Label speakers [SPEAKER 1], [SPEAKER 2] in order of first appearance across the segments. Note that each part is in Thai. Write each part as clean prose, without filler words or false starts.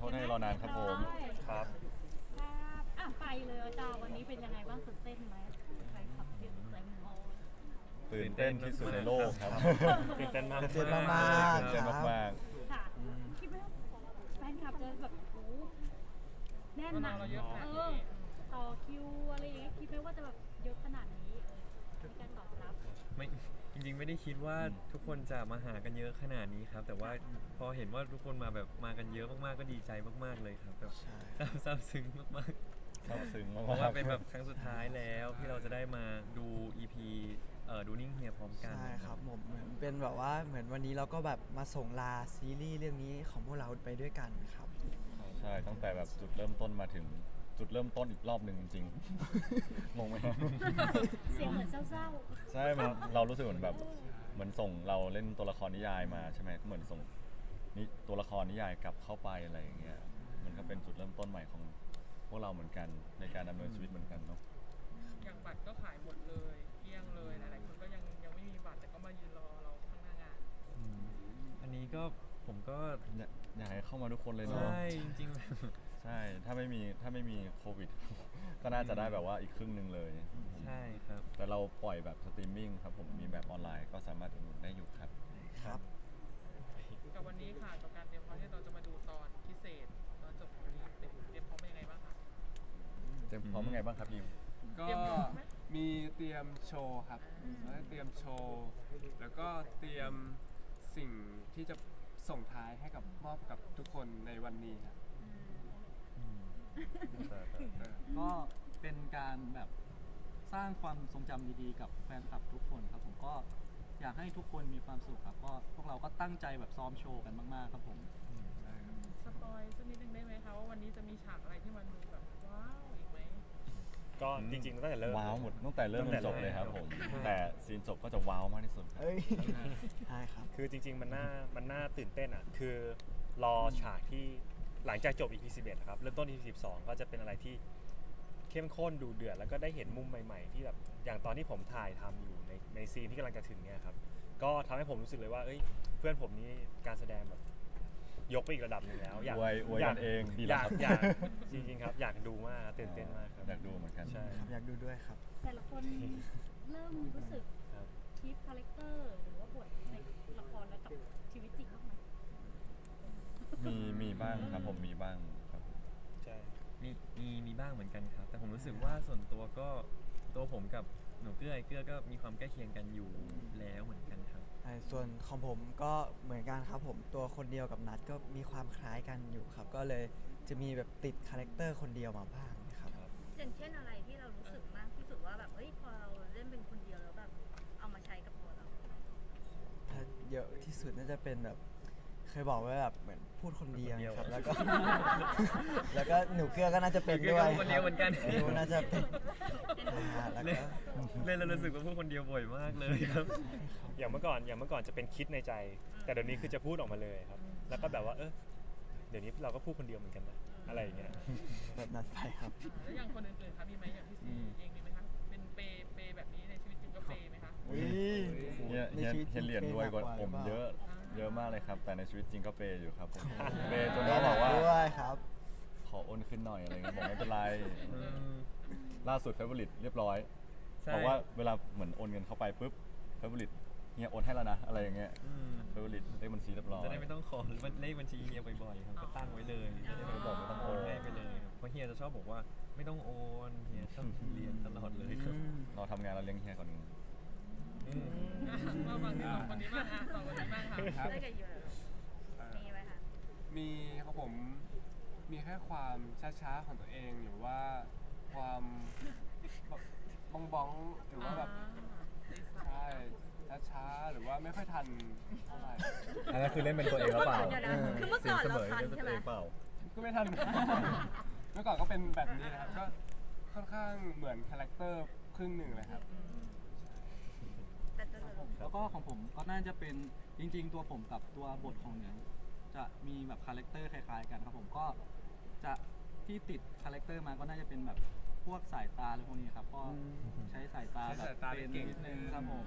[SPEAKER 1] ษให้รอนานครับผมครับ
[SPEAKER 2] ครับไปเลยอาจารย์วันนี้เป็นยังไงบ้างตื่นเต้นไหมใครขับเสียงเต็มฮอลล์
[SPEAKER 1] ตื่นเต้นที่สุดในโลกครับ
[SPEAKER 3] ตื่นเต้นมาก
[SPEAKER 4] ตื่นเต้นมากๆ
[SPEAKER 1] ตื่นเต้นมาก
[SPEAKER 2] ค่ะคิดไหมว่าแฟนคลับจะแบบโอ้โหแน่นหนักต่อคิวอะไรอย่างเงี้ยคิดไหมว่าจะแบบเยอะขนาดนี้ในการตอบรับ
[SPEAKER 3] ไม่จริงๆไม่ได้คิดว่าทุกคนจะมาหากันเยอะขนาดนี้ครับ แต่ว่าพอเห็นว่าทุกคนมากันเยอะมากๆก็ดีใจมากๆเลยครับแบบซาบซึ้งมาก
[SPEAKER 1] ๆซาบซึ้ง
[SPEAKER 3] ๆ
[SPEAKER 1] มาก
[SPEAKER 3] เพราะว่าเป็นแบบครั้งสุดท้ายแล้วที่เราจะได้มาดู EP ดูนิ่งเฮียพร้อมกัน
[SPEAKER 4] ใช่ครับผมเหมือนเป็นแบบว่าเหมือนวันนี้เราก็แบบมาส่งลาซีรีส์เรื่องนี้ของพวกเราไปด้วยกันครับ
[SPEAKER 1] ใช่ตั้งแต่แบบจุดเริ่มต้นมาถึงจุดเริ่มต้นอีกรอบหนึ่งจริงๆ งงไหมครับ
[SPEAKER 2] เสียงเหมือนเศร้า
[SPEAKER 1] ใช่มันเรารู้สึกเหมือนแบบเหมือนส่งเราเล่นตัวละครนิยายมาใช่ไหมก็เหมือนส่งนี่ตัวละครนิยายกลับเข้าไปอะไรอย่างเงี้ยมันก็เป็นจุดเริ่มต้นใหม่ของพวกเราเหมือนกันในการดำเนินชีวิตเหมือนกันเนาะ
[SPEAKER 5] อย่างบัตรก็ขายหมดเลยเกลี้ยงเลยหลายๆคนก็ยังไม่มีบัตรแต่ก็มายืนรอเราข้างหน้างาน
[SPEAKER 3] อันนี้ก็ผมก็
[SPEAKER 1] อยากให้เข้ามาทุกคนเลยเนาะ
[SPEAKER 3] ใช่จริงๆแบบ
[SPEAKER 1] ใช่ถ้าไม่มีโควิด ก็น่าจะได้แบบว่าอีกครึ่งหนึ่งเลย
[SPEAKER 3] ใช่ครับ
[SPEAKER 1] แต่เราปล่อยแบบสตรีมมิ่งครับผมมีแบบออนไลน์ก็สามารถอุดหนุนได้อยู่ครับ
[SPEAKER 4] ครับ
[SPEAKER 5] กับวันนี้ค่ะกับการเตรียมพร้อมที่เราจะมาดูตอนพิเศษตอนจบของวันนี้เตรียมพร้อมเป็นยังไงบ้างคะ
[SPEAKER 1] เจมส์พร้อมยังไงบ้างครับยิม
[SPEAKER 6] ก็
[SPEAKER 5] เตรียมพร้อมไหม
[SPEAKER 6] มีเตรียมโชว์ครับแล้วเตรียมโชว์แล้วก็เตรียมสิ่งที่จะส่งท้ายให้กับมอบกับทุกคนในวันนี้ครับ
[SPEAKER 7] ก็เป็นการแบบสร้างความทรงจำดีๆกับแฟนคลับทุกคนครับผมก็อยากให้ทุกคนมีความสุขครับก็พวกเราก็ตั้งใจแบบซ้อมโชว์กันมากๆครับผม
[SPEAKER 5] สปอยสักนิดนึงได้ไหมคะว่าวันนี้จะมีฉากอะไรที่มันดูแบบว้าวอีกไหม
[SPEAKER 3] ก็จริงๆตั้งแต่เริ่ม
[SPEAKER 1] ว้าวหมดตั้งแต่เริ่มจนจบเลยครับผม
[SPEAKER 3] ใช่
[SPEAKER 1] แต่ซีนจบก็จะว้าวมากที่สุดครับ
[SPEAKER 4] เอ้ยใช่ครับ
[SPEAKER 8] คือจริงๆมันน่าตื่นเต้นอ่ะคือรอฉากที่หลังจากจบ EP 11ครับเริ่มต้น EP 12ก็จะเป็นอะไรที่เข้มข้นดูเดือดแล้วก็ได้เห็นมุมใหม่ๆที่แบบอย่างตอนที่ผมถ่ายทำอยู่ในซีนที่กำลังจะถึงเนี่ยครับก็ทำให้ผมรู้สึกเลยว่าเอ้ยเพื่อนผมนี่การแสดงแบบยกไปอีกระดับหนึงแล้วอยาก
[SPEAKER 1] อวยกันเองดี
[SPEAKER 8] อ
[SPEAKER 1] แล้ว
[SPEAKER 8] ยาก
[SPEAKER 1] ครับ
[SPEAKER 8] อยากจริงๆครับอยากดูมากตื่นเต้นมากครับ
[SPEAKER 1] อยากดูเหมือนกัน
[SPEAKER 8] ใช่
[SPEAKER 4] ครับอยากดูด้วยครับ
[SPEAKER 2] ๆแต่ละคนเริ่มรู้สึก
[SPEAKER 8] ครับ
[SPEAKER 2] ชีฟคาแรคเตอร์หรือว่าบทในละครแล้วกับชีวิตจริงบ้างไหม
[SPEAKER 1] มีบ้างครับผมมีบ้างครับ
[SPEAKER 8] ใช่
[SPEAKER 3] มีบ้างเหมือนกันครับ แต่ผมรู้สึกว่าส่วนตัวก็ตัวผมกับหนูเกื้อไอเกื้อก็มีความใกล้เคียงกันอยู่แล้วเหมือนกันครับ
[SPEAKER 4] ส่วนของผมก็เหมือนกันครับผมตัวคนเดียวกับนัดก็มีความคล้ายกันอยู่ครับ ก็เลยจะมีแบบติดคาแรคเตอร์คนเดียวมาบ้างนะครับ
[SPEAKER 9] อย่างเช่นอะไรที่เรารู้สึกมากที่สุดว่าแบบเฮ้ยพอเราเล่นเป็นคนเดียวแล้วแบบเอามาใช้กับตัวเรา
[SPEAKER 4] ถ้าเยอะที่สุดน่าจะเป็นแบบเคยบอกไว้แบบเหมือนพูดคนเดียวครับแล้วก็ แล้วก็หนูเกลือก็น่าจะเป็นด้วย
[SPEAKER 3] หนูเกลือก็คนเดียวเหมือนกัน
[SPEAKER 4] หนูน่าจะเป็นแล้ว
[SPEAKER 3] เล่น
[SPEAKER 4] ก็
[SPEAKER 3] เล่นแล้วรู้สึกว่าพูดคนเดียวบ่อยมากเลยครับ
[SPEAKER 8] อย่างเมื่อก่อนจะเป็นคิดในใจ แต่เดี๋ยวนี้คือจะพูดออกมาเลยครับ แล้วก็แบบว่าเดี๋ยวนี้เราก็พูดคนเดียวเหมือนกันนะอะไรอย่างเงี้ย
[SPEAKER 4] แบบนั้นไปครับ
[SPEAKER 5] แล้วอย่างคนอื่นๆคะมีไหมอย่างพี่ซีเองมีไหมคะเป็นเปย์แบบนี้ในชีวิตจริงก็เปย์ไหมคะ
[SPEAKER 1] เฮียเหรียญรวยกว่าผมเยอะมากเลยครับ แต่ในชีวิตจริงก็เปย์อยู่ครับผมเปย์จนเขาบอกว่า
[SPEAKER 4] ด้วยครับ
[SPEAKER 1] ขอโอนขึ้นหน่อยอะไรเงี้ยบอกไม่เป็นไร
[SPEAKER 3] อืม
[SPEAKER 1] ล่าสุดเฟเวอริตเรียบร้อย
[SPEAKER 3] ใช่
[SPEAKER 1] บอกว่าเวลาเหมือนโอนเงินเข้าไปปุ๊บเฟเวอริตเฮียโอนให้แล้วนะอะไรอย่างเงี้ย
[SPEAKER 3] อืม
[SPEAKER 1] เฟเวอริตเลขบัญชีเรียบร้อย
[SPEAKER 3] จะได้ไม่ต้องขอเลขบัญชีเฮียบ่อยๆครับก็ตั้งไว้เลยจะได้ไม่บอกไม่ต้องโอนให้ไปเลย เพราะเฮียจะชอบบอกว่าไม่ต้องโอนเฮียชอบเรียนตลอดเลยครับ
[SPEAKER 1] เราทำงานเราเลี้ยงเฮียก่อนหนึ่ง
[SPEAKER 5] มาฟังที่สองคนนี้บ้างค่ะสองคนนี้บ้างค่ะ
[SPEAKER 9] ได้กับยูมีไหมคะ
[SPEAKER 6] มีครับผมมีแค่ความช้าๆของตัวเองหรือว่าความบ้องๆหรือว่าแบบใช่ช้าๆหรือว่าไม่ค่อยทันเท่าไหร่
[SPEAKER 1] อันนั้นคือเล่นเป็นตัวเองหรือเปล่า
[SPEAKER 9] เดี๋ยวนะคือเมื่อก่อนเราทันใช่ไหม
[SPEAKER 6] ก็ไม่ทัน เมื่อก่อนก็เป็นแบบนี้นะครับก็ค่อนข้างเหมือนคาแรคเตอร์ครึ่งหนึ่งเลยครับ
[SPEAKER 9] แต่จะ
[SPEAKER 7] แล้วก็ของผมก็น่าจะเป็นจริงๆ ตัวผมกับตัวบทของเหนือจะมีแบบคาแรคเตอร์คล้ายๆกันครับผมก็จะที่ติดคาแรคเตอร์มาก็น่าจะเป็นแบบพวกสายตาหรือพวกนี้ครับก็ใช้สายตา
[SPEAKER 6] ใช้
[SPEAKER 7] แบบ
[SPEAKER 6] สายตา
[SPEAKER 7] เป็น
[SPEAKER 6] เก่ง
[SPEAKER 7] นิดนึงครับผม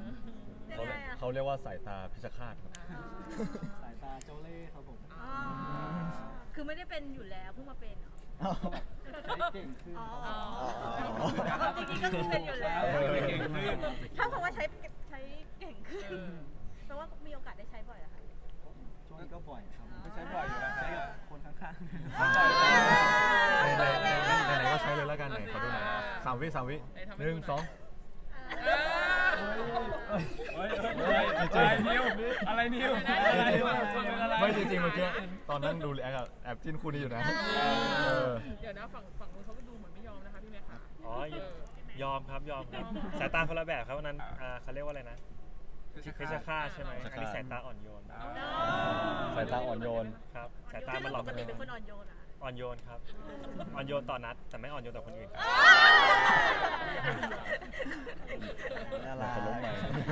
[SPEAKER 1] เขาเรียกว่าสายตาพิชฆาตครับ
[SPEAKER 7] สายตาเจ้าเล่ห์ครับผม
[SPEAKER 9] อ๋อคือไม่ได้เป็นอยู่แล้วเพิ่งมาเป็นเหรอ
[SPEAKER 7] ใช้เก่งขึ้น
[SPEAKER 9] อ๋อจริงๆก็คือเป็นอยู่แล้ว
[SPEAKER 6] เก่งขึ้น
[SPEAKER 9] ถ้าเพราะว่าใช้เก่งขึ้นแปลว่ามีโอกาสได้ใช้บ่อยเหรอคะ
[SPEAKER 7] ช่วงนี้ก็บ่อยครับ
[SPEAKER 6] ก็ใช้บ่อยอยู่แล้ว
[SPEAKER 7] ใช้กับคนข้าง
[SPEAKER 1] ไหนๆก็ใช้เลยแล้วกันไหนขอดูหน่อย3 วิ1 2
[SPEAKER 6] อะไรนิวอะไรนิวอะไร
[SPEAKER 1] ไม่จริงๆเมื่อกี้ตอนนั้นดูรีแอคอะแอบจิ้นคู่นี้อยู่นะ
[SPEAKER 5] เดี๋ยวนะฝั่งนู้นเขาก็ดูเหมือนไม่ยอมนะคะพี่แม็กซ์ค่ะ
[SPEAKER 8] อ๋อยอมครับสายตาคนละแบบครับวันนั้นเขาเรียกว่าอะไรนะเพชรฆาตใช่ไหมอันนี้สายตาอ่อนโยน
[SPEAKER 1] สายตาอ่อนโยน
[SPEAKER 8] ครับสายตามันหลอก
[SPEAKER 9] ปกติเป็นคนอ่อนโยนเหรอคะ
[SPEAKER 8] อ่อนโยนครับอ่อนโยนต่อนัดแต่ไม่อ่อนโยนต่อคนอื่นครับ
[SPEAKER 4] น่ารัก
[SPEAKER 1] จะล้มไหม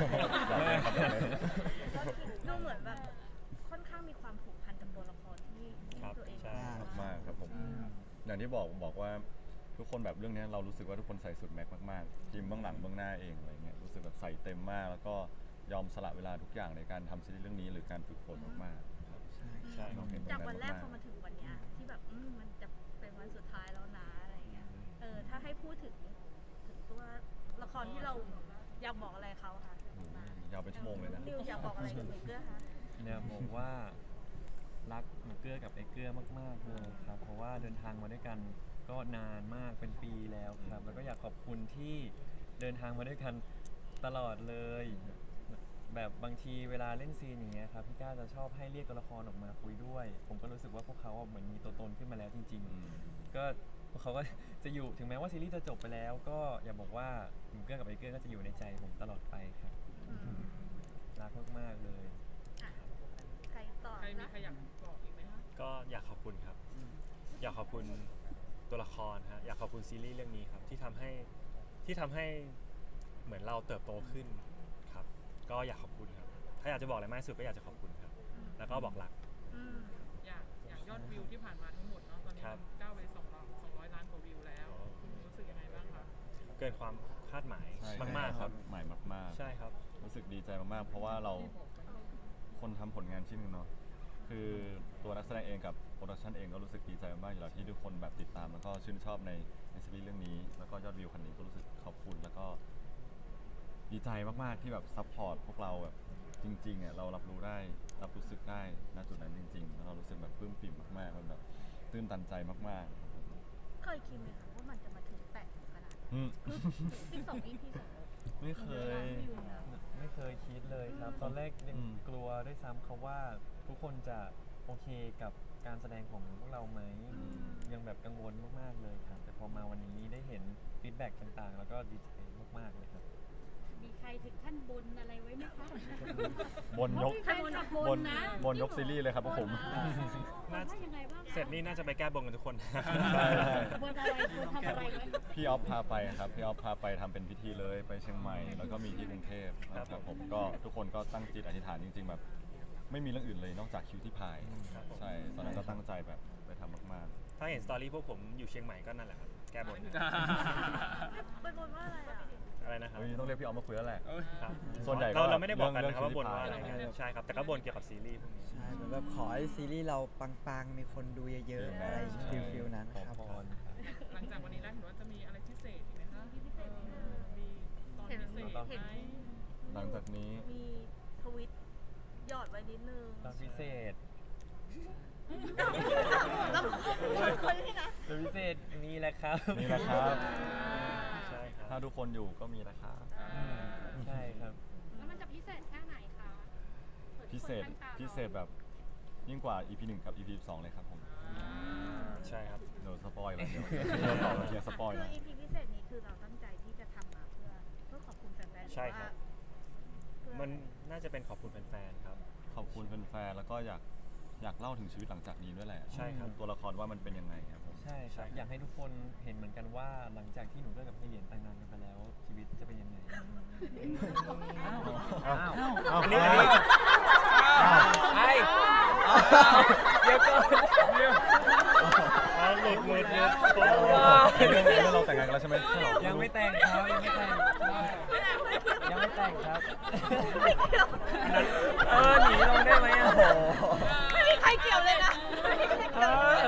[SPEAKER 9] ดูเหมือนแบบค่อนข้างมีความผูกพันกับตัวละครที่ตัวเอง
[SPEAKER 8] ใช่
[SPEAKER 1] มากครับผมอย่างที่บอกว่าทุกคนแบบเรื่องนี้เรารู้สึกว่าทุกคนใส่สุดแม็กมากๆทีมเบื้องหลังเบื้องหน้าเองอะไรเงี้ยรู้สึกแบบใส่เต็มมากแล้วก็ยอมสละเวลาทุกอย่างในการทำซีรีส์เรื่องนี้หรือการฝึกฝนมากๆครับใช่เราเห็นตรง
[SPEAKER 9] จาก
[SPEAKER 1] นั้น
[SPEAKER 9] วันแรก
[SPEAKER 1] มาก
[SPEAKER 9] พอมาถึงวันเนี้ยที่แบบมันจะเป็นวันสุดท้ายแล้วนะอะไรเงี้ยถ้าให้พูดถึงตัวละครที่เราอยากบอกอะไรเขาค่ะ
[SPEAKER 1] ยาวเป็นชั่วโมงเลยนะ
[SPEAKER 9] นิวอยากบอกอะไรกับหนูเกื้อคะ
[SPEAKER 3] เนี่ยบอกว่ารักหนูเกื้อกับไอ้เกื้อมากๆเลยครับเพราะว่าเดินทางมาด้วยกันก็นานมากเป็นปีแล้วครับแล้วก็อยากขอบคุณที่เดินทางมาด้วยกันตลอดเลยแบบบางทีเวลาเล่นซีนอย่างเงี้ยครับพี่ก้าจะชอบให้เรียกตัวละครออกมาคุยด้วย ผมก็รู้สึกว่าพวกเขาเหมือนมีตัวตนขึ้นมาแล้วจริงๆก็พวกเขาก็จะอยู่ถึงแม้ว่าซีรีส์จะจบไปแล้วก็อย่าบอกว่าหนูเกื้อกับไอ้เกื้อก็จะอยู่ในใจผมตลอดไปครับรักมากๆเลย
[SPEAKER 9] ใครต่อ
[SPEAKER 5] ใครมีใครอยากบอกอีกไหมคะ
[SPEAKER 8] ก็อยากขอบคุณครับ อยากขอบคุณตัวละครฮะอยากขอบคุณซีรีส์เรื่องนี้ครับที่ทำให้เหมือนเราเติบโตขึ้นครับ ก็อยากขอบคุณครับถ้าอยากจะบอกอะไรมากที่สุดก็อยากจะขอบคุณครับ แล้วก็บอกรัก
[SPEAKER 5] อย่างยอดวิวที่ผ่านมาทั้งหมดเนาะตอนนี้
[SPEAKER 8] ครับ
[SPEAKER 5] มันก้าวไป200 ล้านกว่าวิวแล้วคุณรู้สึกยังไงบ้างคะ
[SPEAKER 8] เกินความคาดหมาย
[SPEAKER 1] ใช่
[SPEAKER 8] มากๆครับ
[SPEAKER 1] ใหม่มากๆ
[SPEAKER 8] ใช่ครับ
[SPEAKER 1] รู้สึกดีใจมากๆเพราะว่าเราคนทำผลงานชิ้นหนึงเนาะคือตัวนักแสดงเองกับโปรดักชันเองก็รู้สึกดีใจมากๆอยู่แล้วที่ทุกคนแบบติดตามแล้วก็ชื่นชอบในซีรีส์เรื่องนี้แล้วก็ยอดวิวคันนี้ก็รู้สึกขอบคุณแล้วก็ดีใจมากๆที่แบบซัพพอร์ตพวกเราแบบจริงๆอ่ะเรารับรู้ได้รับรู้สึกได้ณจุดนั้นจริงๆแล้วเรารู้สึกแบบปลื้มปิ่มมากๆมันแบบตื้นตันใจมากๆครับผม
[SPEAKER 9] เคยคิดไหมคะว่ามันจะมาถึงแตะถึงขนาดนี้
[SPEAKER 1] อืม
[SPEAKER 9] คือ12 EP
[SPEAKER 1] ไม่เคย
[SPEAKER 3] ไม่เคยคิดเลยครับ ตอนแรกยังกลัวด้วยซ้ำเขาว่าทุกคนจะโอเคกับการแสดงของพวกเราไหมยังแบบกังวลมากๆเลยครับแต่พอมาวันนี้ได้เห็นฟีดแบ็กต่างๆ แล้วก็ดีใจมากๆเลยครับ
[SPEAKER 2] มีใครถึงขั้นบนอะไรไว้ไหมคะ
[SPEAKER 1] บนยก
[SPEAKER 2] ใครขับบนนะ
[SPEAKER 1] บนยกซีรีส์เลยครับพวกผม
[SPEAKER 2] ว่ายังไงบ้างคะ
[SPEAKER 8] เสร็จนี่น่าจะไปแก้บนกันทุกคน
[SPEAKER 2] บนอะไรบนทำอะไรไว้
[SPEAKER 1] พี่ออฟพาไปครับพี่ออฟพาไปทำเป็นพิธีเลยไปเชียงใหม่แล้วก็มีที่กรุงเทพครับผมก็ทุกคนก็ตั้งจิตอธิษฐานจริงๆแบบไม่มีเรื่องอื่นเลยนอกจากคิวที่พาย
[SPEAKER 8] ครับผม
[SPEAKER 1] ใช่ตอนนั้นก็ตั้งใจแบบไปทำมาก
[SPEAKER 8] ถ้าเห็นสตอรี่พวกผมอยู่เชียงใหม่ก็นั่นแหละครับแก้บน
[SPEAKER 9] เป็นบนว่าอะไรอ่ะ
[SPEAKER 8] อะไรนะ
[SPEAKER 1] ๆ
[SPEAKER 8] ครับ
[SPEAKER 1] เฮ้ยต้องเรียกพี่ออฟมาคุยแล้วแหละ
[SPEAKER 8] ครับ
[SPEAKER 1] ส่วนใหญ่ก็
[SPEAKER 8] เราไม่ได้บอกกันนะครับ
[SPEAKER 1] เรื่อง
[SPEAKER 8] ว่าบนว่าอะไร
[SPEAKER 1] คิวที่พาย
[SPEAKER 8] ใช่ครับแต่ก็บนเกี่ยวกับซีรีส์พวกนี้
[SPEAKER 4] ใช่เหมือนแบบขอให้ซีรีส์เราปังๆ มีคนดูเยอะๆ อะไรฟิลนั้น
[SPEAKER 3] ขอ
[SPEAKER 4] ครับ
[SPEAKER 3] พร
[SPEAKER 5] หลังจากวันนี้แล้วเห็นว่าจะมีอะไรพิเศษอีกไหมคะมีตอนพิเศษไหม
[SPEAKER 1] หลังจากนี้
[SPEAKER 9] มีทวิตหยอดไว้นิดนึง
[SPEAKER 3] ตอนพิเศษ
[SPEAKER 9] แล้วคนที่นะ
[SPEAKER 3] ตอนพิเศษมีแหละครับ
[SPEAKER 1] นี่แหละครับ
[SPEAKER 8] ใช่ครับ
[SPEAKER 1] ถ้าทุกคนอยู่ก็มีนะครับ
[SPEAKER 3] ใช่ครับ
[SPEAKER 2] แล้วมันจะพิเศษแค่ไหนคะ
[SPEAKER 1] พิเศษแบบยิ่งกว่า EP 1 กับ EP 2 เลยครับผม
[SPEAKER 8] ใช่ครับ
[SPEAKER 1] เดี๋ยวสปอยล์แล้วเดี๋ยวต่อเราเดี๋ยวสปอยล์
[SPEAKER 9] คือ
[SPEAKER 1] แล้ว
[SPEAKER 9] EP พิเศษนี้คือเราตั้งใจที่จะทำมาเพื่อขอบคุณแฟนๆ
[SPEAKER 8] ใช่ครับ
[SPEAKER 9] หรือว่า
[SPEAKER 8] มันน่าจะเป็นขอบคุณแฟนๆครับ
[SPEAKER 1] ขอบคุณแฟนๆแล้วก็อยากเล่าถึงชีวิตหลังจากนี้ด้วยแหละ
[SPEAKER 8] ใช่ครับ
[SPEAKER 1] ตัวละครว่ามันเป็นยังไงครับผม
[SPEAKER 3] ใช่ครับ อยากให้ทุกคนเห็นเหมือนกันว่าหลังจากที่หนูเลิกกับพี่เหรียญแต่งงานกันไปแล้ว ชีวิตจะเป็นยังไง
[SPEAKER 8] อันนี้
[SPEAKER 3] ไอ้เดี๋ยวก่อน
[SPEAKER 8] หลุด
[SPEAKER 1] เรื่องเราแต่งงานกันแล้วใช่ไหม
[SPEAKER 3] ยังไม่แต่งครับยังไม่แต่งครับหนีลงได้ไหมอ่ะ
[SPEAKER 9] ไม่มีใครเกี่ยวเลยนะ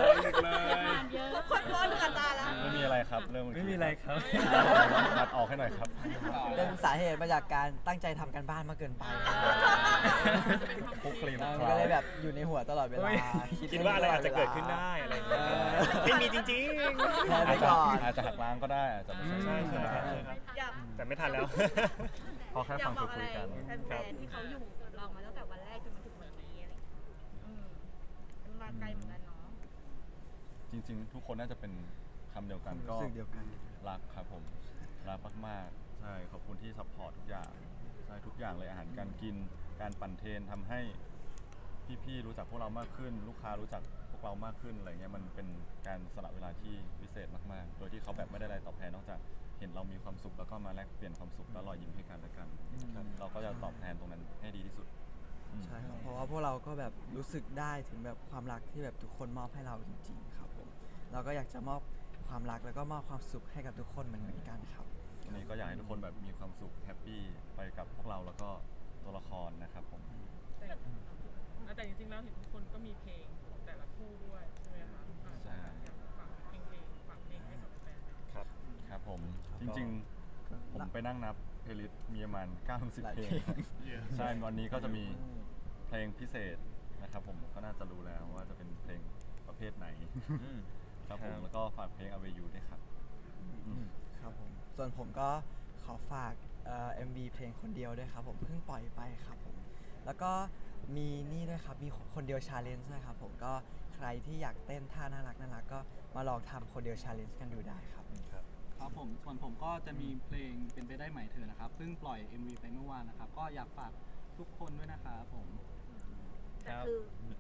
[SPEAKER 1] ครับเรื่องเมื่อกี้
[SPEAKER 3] ไม่มีอะไรครับ
[SPEAKER 1] ตัดออกให้หน่อยครับ
[SPEAKER 4] เป็นสาเหตุมาจากการตั้งใจทำกันบ้านมากเกินไป
[SPEAKER 1] คุกคลีม
[SPEAKER 4] มันก็เลยแบบอยู่ในหัวตลอดเวลา
[SPEAKER 8] คิดว่าอะไรอาจจะเกิดขึ้นได้อะไรอย่างเงี้ยไม่มีจริง
[SPEAKER 4] แพ้
[SPEAKER 1] อา
[SPEAKER 4] ไป
[SPEAKER 1] จจะ
[SPEAKER 4] ก่อน
[SPEAKER 1] อาจจะหักล้างก็ได้อาจจะไม่
[SPEAKER 8] ๆ
[SPEAKER 1] ใช่
[SPEAKER 8] ใช่
[SPEAKER 1] ใช่
[SPEAKER 8] ใช่
[SPEAKER 1] ไหม
[SPEAKER 8] ครับ
[SPEAKER 9] อยาก
[SPEAKER 8] แต่ไม่ทันแล้ว
[SPEAKER 1] พอแค่
[SPEAKER 9] อยา
[SPEAKER 1] ฟั
[SPEAKER 9] ก
[SPEAKER 1] ง
[SPEAKER 9] บอกอะ
[SPEAKER 1] คุ
[SPEAKER 9] ไร
[SPEAKER 1] ยกัน
[SPEAKER 9] แฟนๆที่เขาอยู่กับเรามาตั้งแต่วันแรกจนมาถึงวันนี้อะไรอย่างเงี้ยมันมาไกลเหมือนกันเนาะ
[SPEAKER 1] จริง ๆ ทุกคนน่าจะเป็นคำเดียวกันก็
[SPEAKER 4] รู้สึกเดียวกัน
[SPEAKER 1] รักครับผมรักมากๆใช่ขอบคุณที่ซัพพอร์ตทุกอย่างใช่ทุกอย่างเลยอาหารการกินการปั่นเทรนทำให้พี่ๆรู้จักพวกเรามากขึ้น ลูกค้ารู้จักพวกเรามากขึ้นอะไรเงี้ยมันเป็นการสละเวลาที่พิเศษมากๆ โดยที่เขาแบบไม่ได้อะไรตอบแทนนอกจากเห็นเรามีความสุขแล้วก็มาแลกเปลี่ยนความสุขและรอยยิ้มให้กันและกันครับเราก็จะตอบแทนตรงนั้นให้ดีที่สุดอืม
[SPEAKER 4] ใช่ครับเพราะว่าพวกเราก็แบบรู้สึกได้ถึงแบบความรักที่แบบทุกคนมอบให้เราจริงๆครับผมเราก็อยากจะมอบความรักแล้วก็มอบความสุขให้กับทุกคนเหมือนกันครับ
[SPEAKER 1] วันนี้ก็อยากให้ทุกคนแบบมีความสุขแฮปปี้ไปกับพวกเราแล้วก็ตัวละครนะครับผม
[SPEAKER 5] แต่จริงๆแล้วเห็นทุกคนก็มีเพลงของแต่ละคู่ด้วยใช่ไหมคะอยากฝากเพลงให้กับแฟนๆ
[SPEAKER 8] ครับ
[SPEAKER 1] ครับผมจริงๆผมไปนั่งนับเพลย์ลิสต์มีประมาณ90
[SPEAKER 4] หลาย
[SPEAKER 1] เพล
[SPEAKER 4] เพล
[SPEAKER 1] ง
[SPEAKER 4] ง
[SPEAKER 1] ใช่วันนี้ก็จะมีเพลงพิเศษนะครับผมก็น่าจะรู้แล้วว่าจะเป็นเพลงประเภทไหนครับผมแล้วก็ฝากเพลง Away You ด้วยครับอืม
[SPEAKER 4] ครับผมส่วนผมก็ขอฝากMV เพลงคนเดียวด้วยครับผมเพิ่งปล่อยไปครับผมแล้วก็มีนี่ด้วยครับมีคนเดียวชาเลนจ์ด้วยครับผมก็ใครที่อยากเต้นท่าน่ารักก็มาลองทำคนเดียวชาเลนจ์กันดูได้ครับ
[SPEAKER 7] ครับผมส่วนผมก็จะมีเพลงเป็นไปได้ไหมเธอนะครับเพิ่งปล่อย MV ไปเมื่อวานนะครับก็อยากฝากทุกคนด้วยนะครับผม
[SPEAKER 9] แต่คือ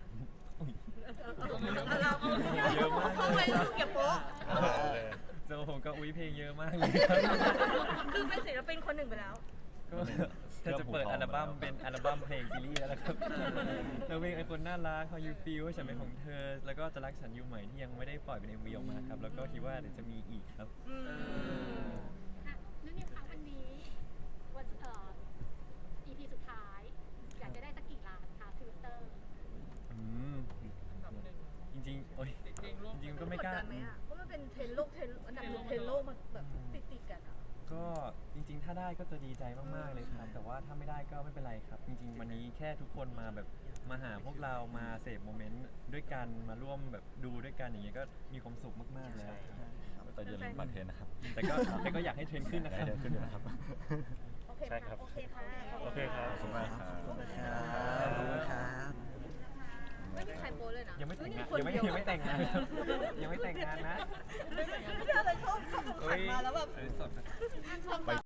[SPEAKER 3] เยอะมากเลย
[SPEAKER 9] ทำไมรู้เก็บโป๊ะ
[SPEAKER 3] สำหรับผมก็อุ้ยเพลงเยอะมากเลยครับ
[SPEAKER 9] คือเป็นศิลปินคนหนึ่งไปแล้ว
[SPEAKER 3] ก็จะเปิดอัลบั้มเป็นอัลบั้มเพลงซีรีส์แล้วนะครับแล้วเพลงไอคนน่ารัก How You Feel ฉันเป็นของเธอ แล้วก็จะรักฉันอยู่ใหม่ที่ยังไม่ได้ปล่อยเป็น MV ออกมาครับ แล้วก็คิดว่าเดี๋ยวจะมีอีกครับ
[SPEAKER 2] อ่ะนั่นเนี่ยคะวันนี้วันEP สุดท้าย อยากจะได้สักกี่ล้านคะทวิตเตอร์
[SPEAKER 5] อันดับหนึ่ง
[SPEAKER 3] จริงๆโอ้ย
[SPEAKER 5] เพลงโลก
[SPEAKER 3] จริงๆก็ไม่กล้า
[SPEAKER 9] ดดันไหมอ่ะเพราะมันเป็นเทรนด์โลกอันดับหนึ่งเทรนด์โลกมันแบบติดกันอ่ะ
[SPEAKER 3] ก็จริงๆ ถ้าได้ก็จะดีใจมากๆเลยครับ แต่ว่าถ้าไม่ได้ก็ไม่เป็นไรครับ จริงๆ วันนี้แค่ทุกคนมาแบบมาหาพวกเรามาเสพโมเมนต์ด้วยกันมาร่วมแบบดูด้วยกันอย่างเงี้ยก็มีความสุขมากๆแล้วครับ
[SPEAKER 1] แต่อย่าลืมบัตรเทรนนะครับ
[SPEAKER 3] แต่ก็อยากให้เทรนด์ขึ้นนะครับ
[SPEAKER 1] เทรนขึ้นอยู่นะครับ
[SPEAKER 9] โอเค
[SPEAKER 8] ใช่ครับ
[SPEAKER 9] โอเคค่ะ
[SPEAKER 8] โอเคครับ
[SPEAKER 1] ขอบคุณมากครับ
[SPEAKER 4] ขอบคุณครับ
[SPEAKER 9] ไม่มีใครโพสเลยนะ
[SPEAKER 3] ยังไม่แต่งงาน
[SPEAKER 9] คน
[SPEAKER 3] ยังไม่
[SPEAKER 9] เดีว
[SPEAKER 3] แต่งงานครับยังไม่แต่งงานนะ
[SPEAKER 9] ไม่ได้อะไรชอบขับมาแล้วแบบ
[SPEAKER 1] ไป